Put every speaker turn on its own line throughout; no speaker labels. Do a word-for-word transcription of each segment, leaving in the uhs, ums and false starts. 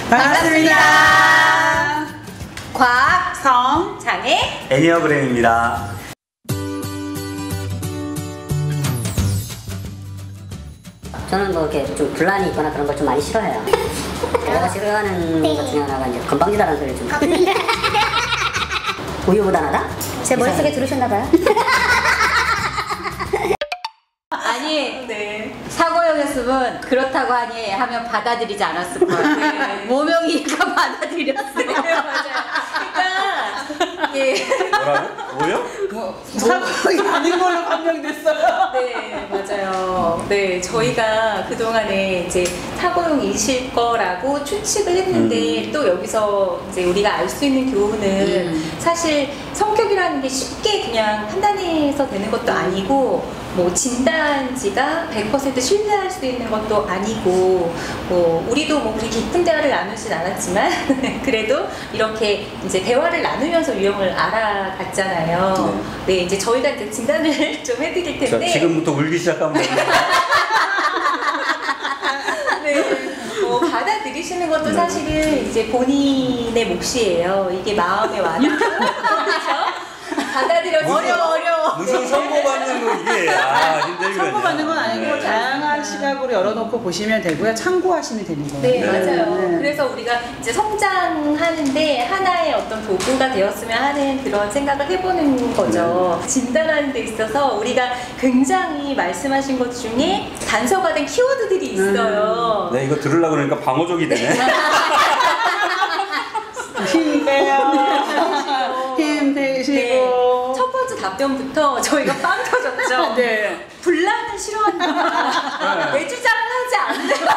반갑습니다.
과학,
성,
장애,
애니어그램입니다.
저는 뭐 이렇게 좀 분란이 있거나 그런 걸 좀 많이 싫어해요. 제가 싫어하는 것 중에 하나가 이제 건방지다라는 소리를 좀. 우유부단하다? 제 머릿속에 들으셨나봐요.
아니, 네. 사고형이었으면 그렇다고 하니 하면 받아들이지 않았을 거예요. 네. 모명이가 받아들였어요. 네, 맞아요. 그러니까, 예.
뭐라고? 뭐요?
뭐, 사고형이 아닌 걸로 판명됐어요.
네, 맞아요. 네, 저희가 그동안에 이제 사고형이실 거라고 추측을 했는데, 음. 또 여기서 이제 우리가 알 수 있는 교훈은 음. 사실 성격이라는 게 쉽게 그냥 판단해서 되는 것도 아니고, 뭐 진단지가 백 퍼센트 신뢰할 수 있는 것도 아니고, 뭐 우리도 뭐 그렇게 깊은 대화를 나누진 않았지만 그래도 이렇게 이제 대화를 나누면서 유형을 알아갔잖아요. 네, 네 이제 저희가 이제 진단을 좀 해드릴 텐데.
자, 지금부터 울기 시작하면
네, 뭐 받아들이시는 것도 사실은 이제 본인의 몫이에요. 이게 마음에 와닿는 그렇죠? 받아들여주세요. 어려워, 어려워.
무슨 선고받는 거 이게. 아, 힘들거든요.
선고받는 건 아니고
네.
다양한 시각으로 열어놓고 보시면 되고요. 참고하시면 되는 거예요.
네,
네.
맞아요.
네.
그래서 우리가 이제 성장하는데 하나의 어떤 도구가 되었으면 하는 그런 생각을 해보는 거죠. 네. 진단하는 데 있어서 우리가 굉장히 말씀하신 것 중에 단서가 된 키워드들이 있어요.
음. 네, 이거 들으려고 그러니까 방어적이 되네.
힘 빼요. 힘 빼시고.
네. 첫 번째 답변부터 저희가 빵 터졌죠.
네.
분란을 싫어한다. 내주장을 하지 않는다.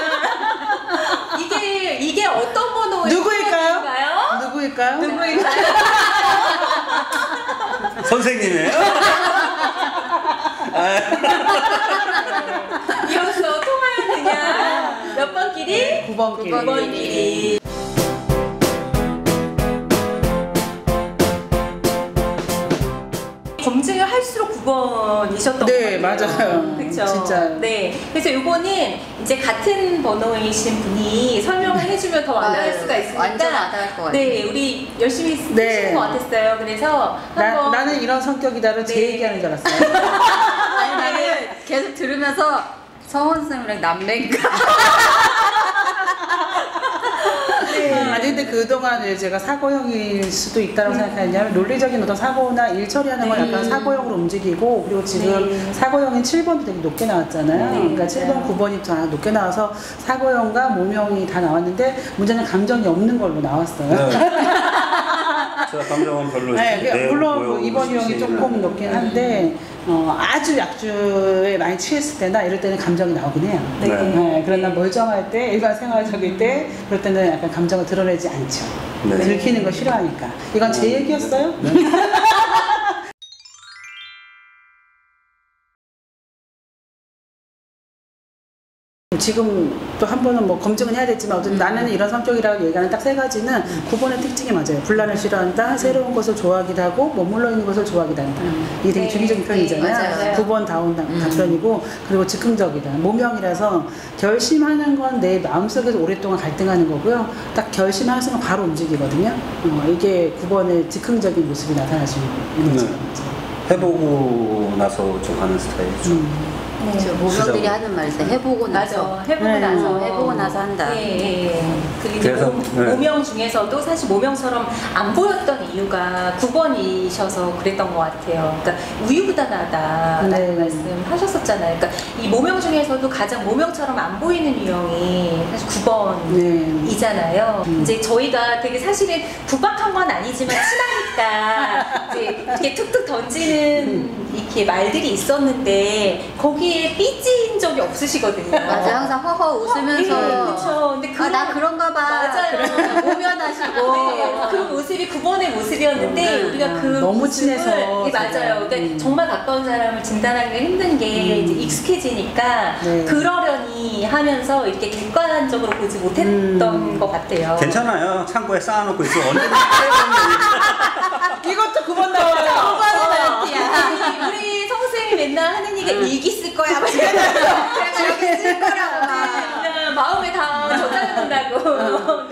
이게 이게 어떤 번호의
누구일까요?
번호인가요?
누구일까요?
누구일까요?
선생님이에요?
이로써 통하면 그냥 몇 번 길이?
구 번 길이.
구 번 길이. 검증을 할수록 구 번이셨던
네,
것 같아요.
맞아요.
그렇죠.
진짜.
네. 그래서 이거는 이제 같은 번호이신 분이 설명을 해주면 더 와닿을 수가 있으니까.
완전 와닿을 것 같아요.
네, 우리 열심히 쓰시는
네.
것 같았어요. 그래서
나,
한번
나는 이런 성격이다를 제
네.
얘기하는 줄 알았어요.
아니 나는 계속 들으면서 성원 선생님이랑 남매인가?
네. 아니 근데 그동안 제가 사고형일 수도 있다고 음. 생각하냐면 논리적인 어떤 사고나 일 처리하는 건
네.
약간 사고형으로 움직이고, 그리고 지금
네.
사고형인 칠 번도 되게 높게 나왔잖아요.
네,
그러니까 칠 번, 구 번이 다 높게 나와서 사고형과 모명이 다 나왔는데 문제는 감정이 없는 걸로 나왔어요.
네. 제가 감정은 별로.
네,
네,
물론 뭐 이번 유형이 조금 높긴 한데 어, 아주 약주에 많이 취했을 때나 이럴 때는 감정이 나오긴 해요.
네.
네, 그러나 멀쩡할 때, 일반 생활적일 때 그럴 때는 약간 감정을 드러내지 않죠.
네.
들키는 거 싫어하니까. 이건 제 얘기였어요?
네.
지금 또 한 번은 뭐 검증은 해야 되지만 어쨌든 음. 나는 이런 성격이라고 얘기하는 딱 세 가지는 음. 구 번의 특징이 맞아요. 분란을 싫어한다, 음. 새로운 것을 좋아하기도 하고 머물러 있는 것을 좋아하기도 한다. 음. 이게 되게
네.
주기적인 표현이잖아요.
네,
구 번 다운
음.
답변이고, 그리고 즉흥적이다. 모명이라서 결심하는 건 내 마음속에서 오랫동안 갈등하는 거고요. 딱 결심하는 순간 바로 움직이거든요. 어, 이게 구 번의 즉흥적인 모습이 나타나시는 거죠.
네. 해보고 나서 좀 하는 스타일이죠.
음.
네.
저 모병들이 하는 말에서 해보고 나서
맞아. 해보고
네.
나서
해보고 나서 한다.
네, 네. 그리고 이제
그래서,
모,
네.
모명 중에서도 사실 모명처럼 안 보였던 이유가 구 번이셔서 그랬던 것 같아요. 그러니까 우유부단하다라는
네.
말씀하셨었잖아요. 그러니까 이 모명 중에서도 가장 모명처럼 안 보이는 유형이 사실 구 번이잖아요.
네. 음.
이제 저희가 되게 사실은 구박한 건 아니지만 친하니까 이제 이렇게 툭툭 던지는
음.
이렇게 말들이 있었는데 거기에 삐진 적이 없으시거든요.
맞아, 항상 허허 웃으면서.
네, 그렇죠. 근데
아,
그런-
나 그런가 봐.
맞아요.
오면하시고.
네, 그 모습이 구 번의 모습이었는데
음,
우리가 그
너무
모습을-
친해서
네, 맞아요.
제가.
그러니까
음.
정말 가까운 사람을 진단하기가 힘든 게
음.
이제 익숙해지니까
네.
그러려니 하면서 이렇게 객관적으로 보지 못했던
음.
것 같아요.
괜찮아요. 창고에 쌓아놓고 있어. 언제든지
이것도 구 번 나와요.
어. 우리, 우리 성생이 맨날 하는 얘기가 일기 쓸 거야. 막 이러면서.
제가 여기 쓸 거라고 막.
그냥 마음에 다 저장해놓는다고.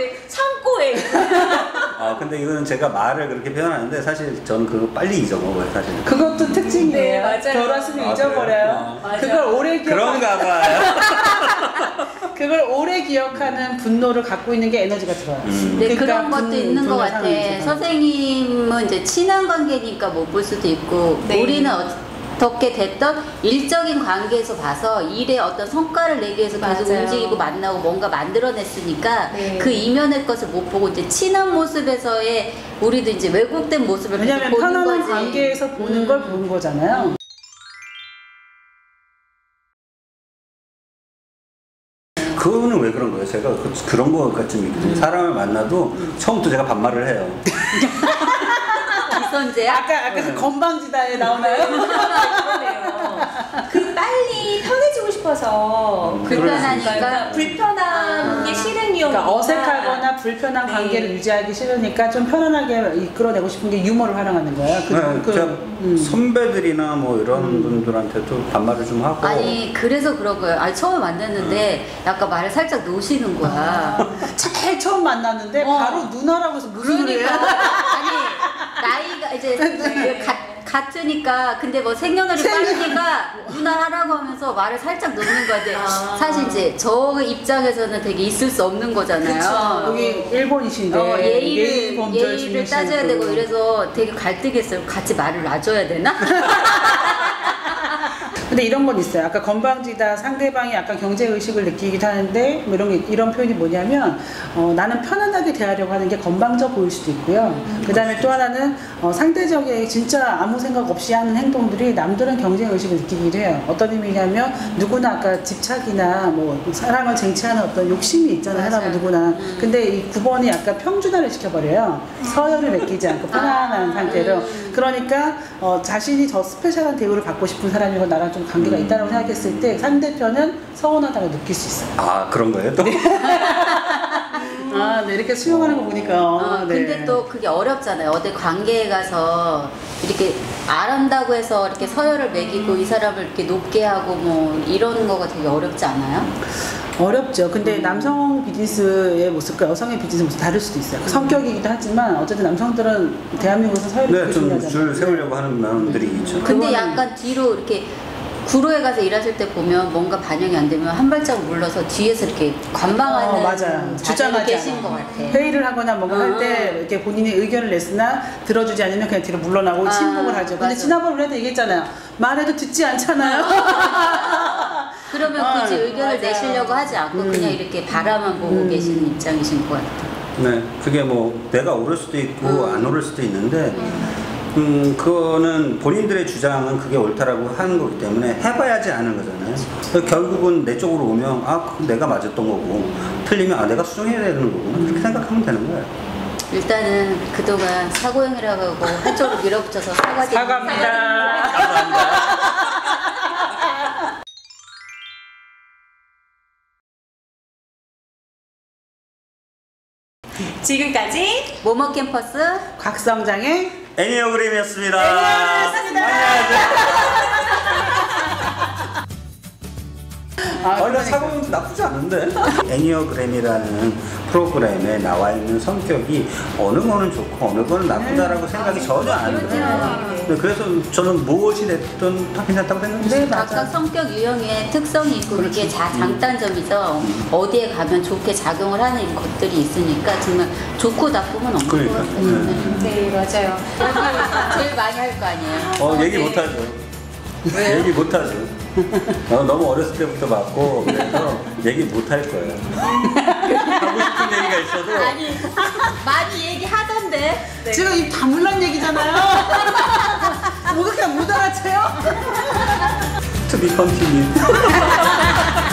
아, 근데 이거는 제가 말을 그렇게 표현하는데 사실 저는 그거 빨리 잊어먹어요, 사실.
그것도 특징이에요.
네, 맞아요.
결혼하시면
아,
잊어버려요.
그래요?
그걸 오래 기억.
그런가 봐요.
그걸 오래 기억하는 분노를 갖고 있는 게 에너지가 들어요.
음.
네,
그러니까
그런 것도
분-
있는 것
분노를
같아.
사는
선생님은 이제 친한 관계니까 못 볼 수도 있고,
네.
우리는 어떻게 됐던 일적인 관계에서 봐서 일에 어떤 성과를 내기 위해서 계속
맞아요.
움직이고 만나고 뭔가 만들어냈으니까
네.
그 이면의 것을 못 보고 이제 친한 모습에서의 우리도 이제 왜곡된 모습을 계속
왜냐면
보는
편안한
거지.
관계에서 보는
음.
걸 보는 거잖아요.
그거는 왜 그런 거예요? 제가 그, 그런 거가 좀 있거든요. 사람을 만나도 처음부터 제가 반말을 해요.
기선제야?
아까 아까 그 건방지다에 나오나요?
그러네요. 그 빨리 편해지고 싶어서
음,
불편하니까.
그러니까 불편한
아.
게 싫은 이유가
그러니까 어색하거나 불편한
네.
관계를 유지하기 싫으니까 좀 편안하게 이끌어내고 싶은 게 유머를 활용하는 거예요. 그,
네,
그,
제가
음.
선배들이나 뭐 이런 분들한테도 반말을 좀 하고.
아니 그래서 그런 거예요. 아니 처음에 만났는데 약간 말을 살짝 놓으시는 거야.
제일 처음 만났는데
어.
바로 누나라고 해서 무슨 소리예요?
그러니까 아니 나이가 이제 그 가, 같으니까 근데 뭐 생년월일 빠르니까 누나 하라고 하면서 말을 살짝 놓는 거야. 근데
아.
사실 이제 저 입장에서는 되게 있을 수 없는 거잖아요.
그쵸.
여기 일본이신데
어, 예의를
예의 범절
예의를
중이시고.
따져야 되고 이래서 되게 갈등했어요. 같이 말을 놔줘야 되나?
근데 이런 건 있어요. 아까 건방지다 상대방이 약간 경제 의식을 느끼기도 하는데 뭐 이런 게 이런 표현이 뭐냐면 어, 나는 편안하게 대하려고 하는 게 건방져 보일 수도 있고요.
음,
그다음에 또 하나는 어, 상대적인 진짜 아무 생각 없이 하는 행동들이 남들은 경쟁 의식을 느끼기도 해요. 어떤 의미냐면 누구나 아까 집착이나 뭐 사랑을 쟁취하는 어떤 욕심이 있잖아요.
맞아요.
사람은 누구나.
음.
근데 이 구 번이 약간 평준화를 시켜버려요. 서열을 맡기지 않고 편안한
아,
상태로.
음.
그러니까 어, 자신이 더 스페셜한 대우를 받고 싶은 사람이고 나랑 좀 관계가
음.
있다고 생각했을 때 상대편은 서운하다고 느낄 수 있어요.
아, 그런 거예요? 또?
아, 네, 이렇게 수용하는 거 보니까.
어,
네.
근데 또 그게 어렵잖아요. 어디 관계에 가서 이렇게 알한다고 해서 이렇게 서열을 매기고 이 사람을 이렇게 높게 하고 뭐 이런 거가 되게 어렵지 않아요?
어렵죠. 근데
음.
남성 비즈니스의 모습과 여성의 비즈니스 모습 다를 수도 있어요. 성격이기도 하지만 어쨌든 남성들은 대한민국에서 서열이
네,
되게
좀
중요하잖아요.
줄 세우려고 하는 면들이 있죠.
근데
그거는-
약간 뒤로 이렇게 구로에 가서 일하실 때 보면 뭔가 반영이 안 되면 한 발짝 물러서 뒤에서 이렇게 관망하는
어, 맞아요.
자세로
주장하지
계신
않아요.
것 같아.
회의를 하거나 뭔가 할
어.
때 이렇게 본인의 의견을 냈으나 들어주지 않으면 그냥 뒤로 물러나고
아,
침묵을 하죠. 근데
맞아.
지난번 우리한테 얘기했잖아요. 말해도 듣지 않잖아요.
그러면
아,
굳이 의견을
맞아요.
내시려고 하지 않고
음.
그냥 이렇게 바라만 보고
음.
계시는 입장이신 것 같아요.
네, 그게 뭐 내가 오를 수도 있고
음.
안 오를 수도 있는데 음, 그거는 본인들의 주장은 그게 옳다라고 하는 거기 때문에 해봐야지 아는 거잖아요. 그래서 결국은 내 쪽으로 오면 아, 그럼 내가 맞았던 거고 틀리면 아, 내가 수정해야 되는 거구나 그렇게 생각하면 되는 거예요.
일단은 그동안 사고형이라고 하고 한쪽으로 밀어붙여서 사과드립니다.
사과합니다.
감사합니다.
지금까지
모모 캠퍼스
곽성장의
애니어그램이었습니다.
아,
원래
그러니까.
사고는 나쁘지 않은데 애니어그램이라는 프로그램에 나와 있는 성격이 어느 거는 좋고 어느 거는 나쁘다라고 생각이 전혀 안 들어요. 네, 그래서 저는 무엇이 됐든 다 괜찮다고 생각했어요.
네, 맞아요.
각각 성격 유형의 특성이 있고 그게 자, 장단점이죠. 어디에 가면 좋게 작용을 하는 것들이 있으니까 정말 좋고 나쁨은 없는
그러니까.
것 같아요.
네.
네 맞아요.
제일 많이 할 거 아니에요.
어,
어,
얘기
네.
못하죠. 얘기 못하죠. 어, 너무 어렸을 때부터 봤고 그래서 얘기 못할 거예요. 하고 싶은 얘기가 있어도
아니 많이 얘기하던데.
네.
지금 이 다물란 얘기잖아요. 뭐 그렇게 못 알아채요?
to be continued.